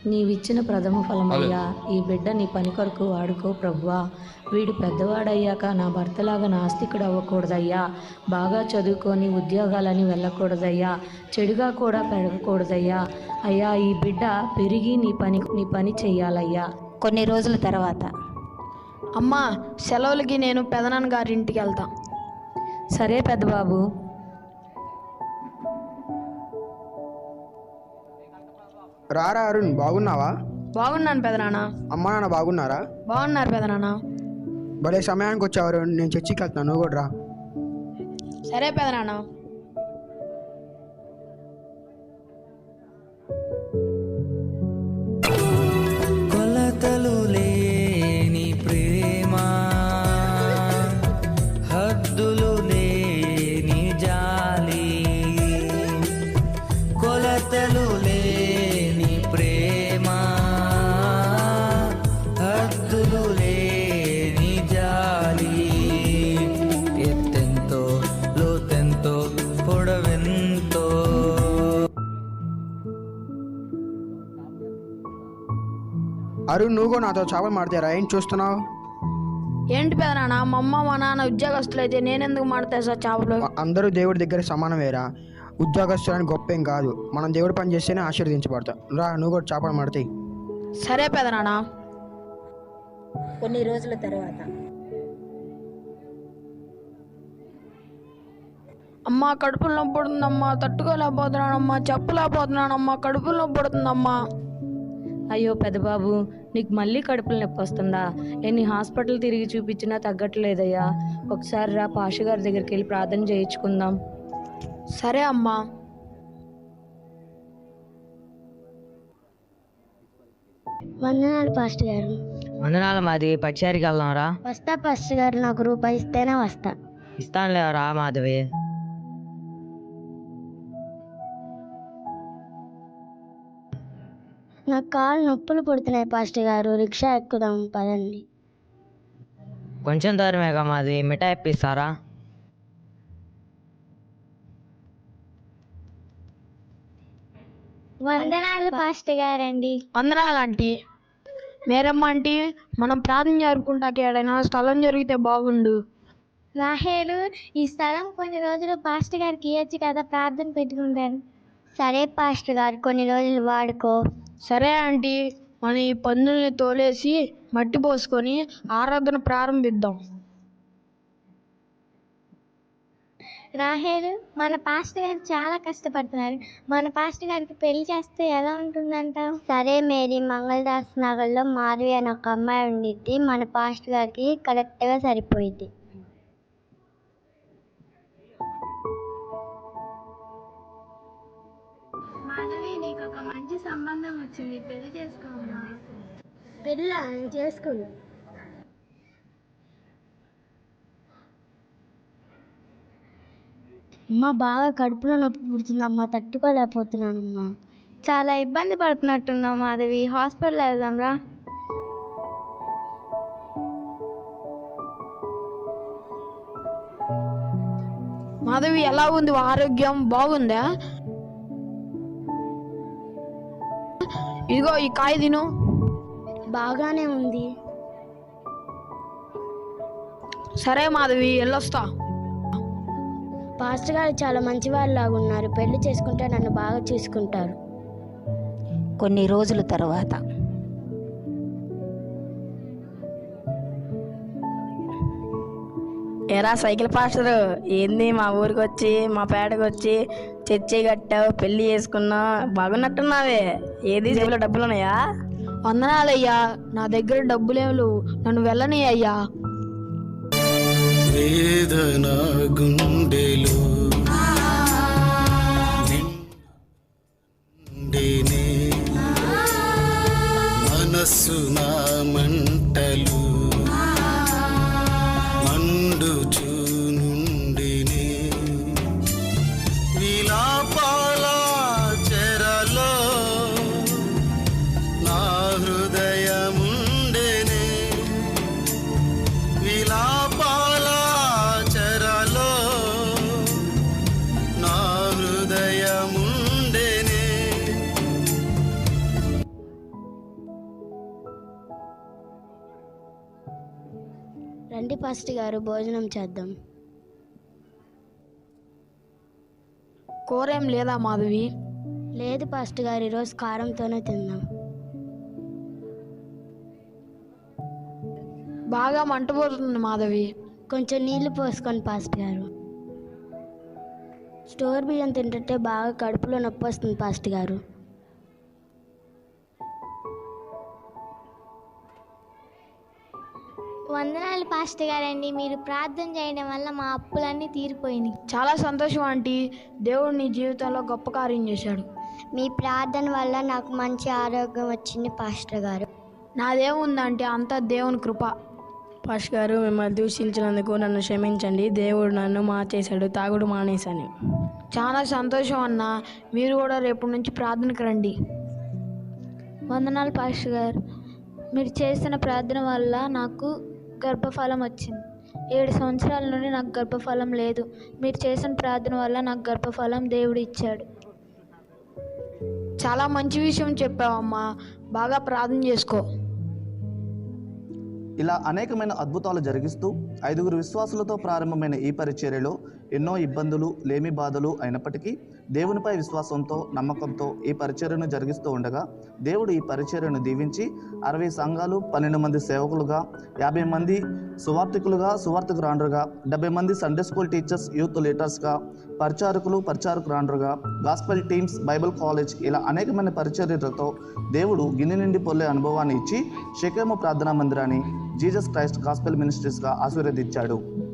నీవిచ్చిన ప్రథమ ఫలమయ్యా, ఈ బిడ్డ నీ పని కొరకు వాడుకో ప్రభువా. వీడు పెద్దవాడయ్యాక నా భర్తలాగా నాస్తికుడు అవ్వకూడదయ్యా. బాగా చదువుకొని ఉద్యోగాలని వెళ్ళకూడదయ్యా. చెడుగా కూడా పెరగకూడదయ్యా. అయ్యా, ఈ బిడ్డ పెరిగి నీ పని చెయ్యాలయ్యా. కొన్ని రోజుల తర్వాత, అమ్మా, సెలవులకి నేను పెదనాన్న గారి ఇంటికి వెళ్తా. సరే పెద్దబాబు. రారా అరుణ్, బాగున్నావా? బాగున్నాను పెదనాన్న. అమ్మా నాన్న బాగున్నారా? బాగున్నారు పెదనాన్న. భలే సమయానికి వచ్చావు అరుణ్, నేను చర్చికి వెళ్తాను, నువ్వు కూడా రా. సరే పెదనాన్న. కొలతలు లేని ప్రేమ, హద్దులు లేని జాలి. కొలతలు లేని ప్రేమ, హద్దులు లేని జాలి. ఎత్తెంతో లోతెంతో పొడవెంతో. అరుణ్, నువ్వు కూడా నాతో చేపలు మాడతారా? ఏం చూస్తున్నావు? ఏంటి పెదనాన్న, మా అమ్మ మా నాన్న ఉద్యోగస్తులు అయితే నేనెందుకు మాడతా సార్ చేపలు? అందరూ దేవుడి దగ్గర సమానమేరా. ఉద్యోగస్తులని గొప్ప ఏం కాదు, మనం దేవుడి పని చేస్తేనే ఆశీర్వదించబడతాం. రా, నువ్వు కూడా చేపలు మాడతాయి. సరే పెదనాన్న. కొన్ని రోజుల తర్వాత, అమ్మా, కడుపులో నొప్పి పడుతుందమ్మా, తట్టుకోలేకపోతున్నానమ్మా, చెప్పలేకపోతున్నానమ్మా, కడుపులో నొప్పి పడుతుందమ్మా. అయ్యో పెద్దబాబు, నీకు మళ్ళీ కడుపులు నొప్పి వస్తుందా? ఎన్ని హాస్పిటల్ తిరిగి చూపించినా తగ్గట్లేదయ్యా. ఒకసారి రా, పాష గారి దగ్గరికి వెళ్ళి ప్రార్థన చేయించుకుందాం. సరే అమ్మా. వందనాలు పాస్టర్ గారు. వందనాలు. మాది పచ్చారికి వెళ్దాం రా. వస్తా పాస్టర్ గారు, నాకు రూపాయి ఇస్తేనే వస్తా. ఇస్తానులే రా మాధవి. నాకు కాళ్ళు నొప్పులు పుడుతున్నాయి పాస్టర్ గారు, రిక్షా ఎక్కుదాం పదండి. కొంచెం దూరమేగా మాది, మిఠాయి ఇప్పిస్తారా? వందనాలు పాస్టర్ గారండి. వందనాలు ఆంటీ. మేరమ్మ ఆంటీ, మనం ప్రార్థన జరుపుకుంటాకి ఏడైనా స్థలం జరిగితే బాగుండు. రాహేలు, ఈ స్థలం కొన్ని రోజులు పాస్టర్ గారికి ఇవ్వచ్చు కదా, ప్రార్థన పెట్టుకుంటాను. సరే పాస్టర్ గారు, కొన్ని రోజులు వాడుకో. సరే ఆంటీ, మన ఈ పందుల్ని తోలేసి మట్టి పోసుకొని ఆరాధన ప్రారంభిద్దాం. రాహేలు, మన పాస్టర్ గారు చాలా కష్టపడుతున్నారు. మన పాస్టర్ గారికి పెళ్లి చేస్తే ఎలా ఉంటుందంటావు? సరే మేరీ, మంగళదాస్ నగర్లో మాధవి అని ఒక అమ్మాయి ఉండిద్ది, మన పాస్టర్ గారికి కరెక్ట్గా సరిపోయింది. మాధవి, నీకు ఒక మంచి సంబంధం వచ్చింది, పెళ్లి చేసుకోమా? పెళ్ళి చేసుకోండి. అమ్మ, బాగా కడుపులో నొప్పి పుడుతుందమ్మా, తట్టుకోలేకపోతున్నానమ్మా. చాలా ఇబ్బంది పడుతున్నట్టున్నావు మాధవి, హాస్పిటల్ వెళ్దాం రా. మాధవి, ఎలా ఉంది ఆరోగ్యం? బాగుందా? ఇదిగో ఈ కాయ తిను. బాగానే ఉంది. సరే మాధవి, వెళ్ళొస్తా. పాస్టర్ గారు చాలా మంచి వాళ్ళలాగా ఉన్నారు, పెళ్లి చేసుకుంటే నన్ను బాగా చూసుకుంటారు. కొన్ని రోజుల తర్వాత, ఏరా సైకిల్ పాస్టర్, ఏంది మా ఊరికి వచ్చి మా పేటకు వచ్చి చర్చి కట్టావు, పెళ్లి చేసుకున్నా, బాగున్నట్టున్నావే. ఏది జేబులో డబ్బులు ఉన్నాయా? వందనాలయ్యా, నా దగ్గర డబ్బులేవు, నన్ను వెళ్ళని అయ్యా. వేదన గుండెలో నిండెనే, మనస్సు నా మంటలు మండుచు నుండినే. విలాపాల చెరలో నా హృదయముండెనే. విలాపాల చెరలో నా హృదయముండెనే. రండి పాస్టర్ గారు, భోజనం చేద్దాం. కూర ఏం లేదా మాధవి? లేదు పాస్టర్ గారు, ఈరోజు కారంతోనే తిందాం. బాగా మంటపోతుంది మాధవి. కొంచెం నీళ్లు పోసుకోండి పాస్టర్ గారు. స్టోర్ బియ్యం తింటుంటే బాగా కడుపులో నొప్పి వస్తుంది పాస్టర్ గారు. వందనాలు పాస్టర్ గారండి, మీరు ప్రార్థన చేయడం వల్ల మా అప్పులన్నీ తీరిపోయినాయి. చాలా సంతోషం ఆంటీ, దేవుడు నీ జీవితంలో గొప్ప కార్యం చేశాడు. మీ ప్రార్థన వల్ల నాకు మంచి ఆరోగ్యం వచ్చింది పాస్టర్ గారు. నాదేముందంటే అంతా దేవుని కృప. పాస్టర్ గారు, మిమ్మల్ని దూషించినందుకు నన్ను క్షమించండి. దేవుడు నన్ను మార్చేశాడు, తాగుడు మానేశాను. చాలా సంతోషం అన్న. మీరు కూడా రేపటి నుంచి ప్రార్థనకు రండి. వందనాలు పాస్టర్ గారు, మీరు చేసిన ప్రార్థన వల్ల నాకు గర్భఫలం వచ్చింది. 7 సంవత్సరాల నుండి నాకు గర్భఫలం లేదు. మీరు చేసిన ప్రార్థన వల్ల నాకు గర్భఫలం దేవుడు ఇచ్చాడు. చాలా మంచి విషయం చెప్పావమ్మా, బాగా ప్రార్థన చేసుకో. ఇలా అనేకమైన అద్భుతాలు జరిగిస్తూ 5 విశ్వాసులతో ప్రారంభమైన ఈ పరిచర్యలో ఎన్నో ఇబ్బందులు, లేమి బాధలు అయినప్పటికీ దేవునిపై విశ్వాసంతో, నమ్మకంతో ఈ పరిచర్యను జరిగిస్తూ ఉండగా దేవుడు ఈ పరిచర్యను దీవించి 60 సంఘాలు, 12 మంది సేవకులుగా, 50 మంది సువార్థికురాండ్రుగా, 70 మంది సండే స్కూల్ టీచర్స్, యూత్ లీడర్స్గా, పరిచారకురాండ్రుగా, గాస్పెల్ టీమ్స్, బైబిల్ కాలేజ్, ఇలా అనేకమైన పరిచర్యలతో దేవుడు గిన్నె నిండి పొల్లే అనుభవాన్ని ఇచ్చి షెకెము ప్రార్థనా మందిరాన్ని జీసస్ క్రైస్ట్ గాస్పెల్ మినిస్ట్రీస్గా ఆశీర్వదించాడు.